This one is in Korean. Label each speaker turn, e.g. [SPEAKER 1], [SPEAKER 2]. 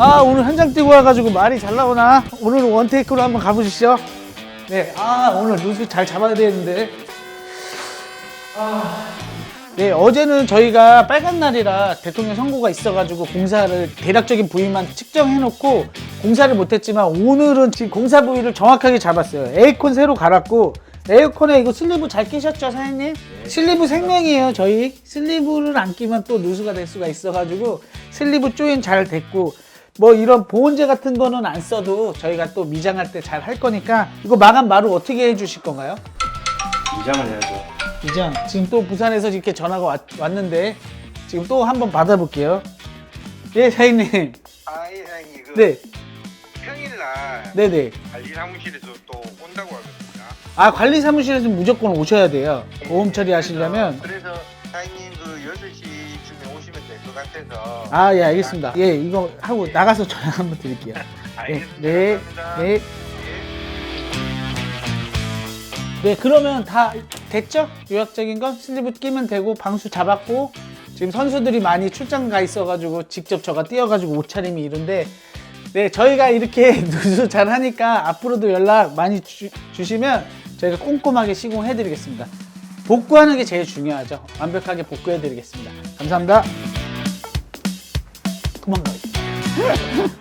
[SPEAKER 1] 아, 오늘 현장 뛰고 와가지고 말이 잘 나오나? 오늘은 원테이크로 한번 가보시죠. 네, 오늘 누수 잘 잡아야 되는데. 네, 어제는 저희가 빨간 날이라 대통령 선고가 있어가지고 공사를 대략적인 부위만 측정해놓고 공사를 못했지만 오늘은 지금 공사 부위를 정확하게 잡았어요. 에어컨 새로 갈았고, 에어컨에 이거 슬리브 잘 끼셨죠, 사장님? 네. 슬리브 생명이에요, 저희. 슬리브를 안 끼면 또 누수가 될 수가 있어가지고 슬리브 조인 잘 됐고, 뭐 이런 보온제 같은 거는 안 써도 저희가 또 미장할 때 잘 할 거니까. 이거 마감 마루 어떻게 해주실 건가요?
[SPEAKER 2] 미장을 해야죠.
[SPEAKER 1] 미장, 지금 또 부산에서 이렇게 전화가 왔는데 지금 또 한번 받아볼게요. 예, 사장님.
[SPEAKER 3] 예, 사장님.
[SPEAKER 1] 네.
[SPEAKER 3] 평일날
[SPEAKER 1] 네네.
[SPEAKER 3] 관리 사무실에서 또 온다고 하거든요.
[SPEAKER 1] 관리 사무실에서 무조건 오셔야 돼요. 보험 처리하시려면.
[SPEAKER 3] 그래서 사장님 그 6시쯤에 오시면 될 것 같아서.
[SPEAKER 1] 예, 알겠습니다. 예, 이거 하고 나가서 전화 한번 드릴게요.
[SPEAKER 3] 알겠습니다.
[SPEAKER 1] 네,
[SPEAKER 3] 감사합니다.
[SPEAKER 1] 네. 네, 그러면 다 됐죠? 요약적인 건 슬리브 끼면 되고, 방수 잡았고, 지금 선수들이 많이 출장 가 있어가지고 직접 저가 뛰어가지고 옷차림이 이런데, 네, 저희가 이렇게 누수 잘 하니까 앞으로도 연락 많이 주시면 저희가 꼼꼼하게 시공해드리겠습니다. 복구하는 게 제일 중요하죠. 완벽하게 복구해드리겠습니다. 감사합니다. 도망가요.